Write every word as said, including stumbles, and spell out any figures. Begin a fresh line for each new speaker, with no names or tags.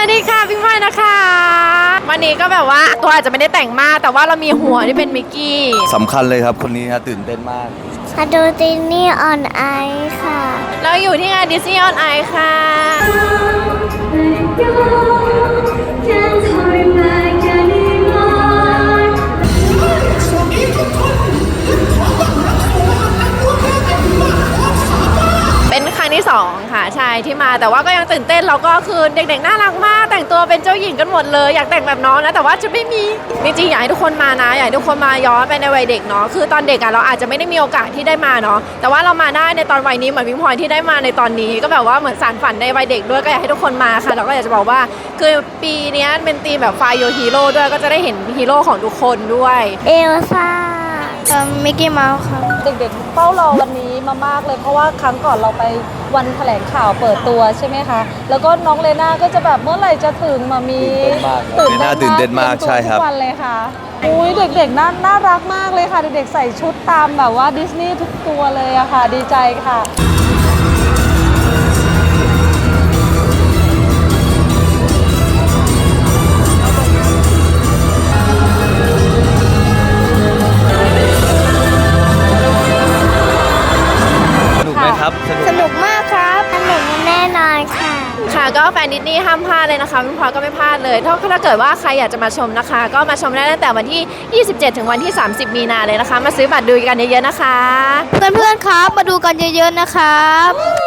วัสดีค่ะพี่พลอยนะคะวันนี้ก็แบบว่าตัวอาจจะไม่ได้แต่งมากแต่ว่าเรามีหัวที่เป็นมิกกี้
สำคัญเลยครับคนนี้ฮะตื่นเต้นมาก
มาดูดิสนีย์ออนไอค่ะ
เราอยู่ที่งานดิสนีย์ออนไอค่ะเป็นครั้งที่สองค่ะใช่ที่มาแต่ว่าก็ยังตื่นเต้นเราก็คือเด็กๆน่ารักมากแต่งตัวเป็นเจ้าหญิงกันหมดเลยอยากแต่งแบบน้องนะแต่ว่าจะไม่มีจริงๆอยากให้ทุกคนมานะอยากให้ทุกคนมาย้อนไปในวัยเด็กเนาะคือตอนเด็กอะเราอาจจะไม่ได้มีโอกาสที่ได้มาเนาะแต่ว่าเรามาได้ในตอนวัยนี้เหมือนพิงพลอยที่ได้มาในตอนนี้ก็แบบว่าเหมือนสานฝันในวัยเด็กด้วยก็อยากให้ทุกคนมาค่ะเราก็อยากจะบอกว่าคือปีนี้เป็นธีมแบบ Find Your Hero ด้วยก็จะได้เห็นฮีโร่ของทุกคนด้วย
เอลซ่ามิกกี้เมาส์ครับ
เด็กๆเฝ้ารอวันนี้มามากเลยเพราะว่าครั้งก่อนเราไปวันแถลงข่าวเปิดตัวใช่ไหมคะแล้วก็น้องเลน่าก็จะแบบเมื่อไหร่จะถึงมามี
ตื่นเต้นมากตื่นเต้นมากใช่ครับ
ทุกวันเลยค่ะอุ้ยเด็กๆน่าน่ารักมากเลยค่ะเด็กๆใส่ชุดตามแบบว่าดิสนีย์ทุกตัวเลยอะค่ะดีใจค่ะ
สนุกมากครับสนุกแน่นอนค่ะ
ค่ะก็แฟนดิสนีย์ห้ามพลาดเลยนะคะพี่พลอยก็ไม่พลาดเลยถ้าถ้าเกิดว่าใครอยากจะมาชมนะคะก็มาชมได้ตั้งแต่วันที่ยี่สิบเจ็ดถึงวันที่สามสิบมีนาเลยนะคะมาซื้อบัตรดูกันเยอะๆนะคะ
เพื่อนๆครับมาดูกันเยอะๆนะครับ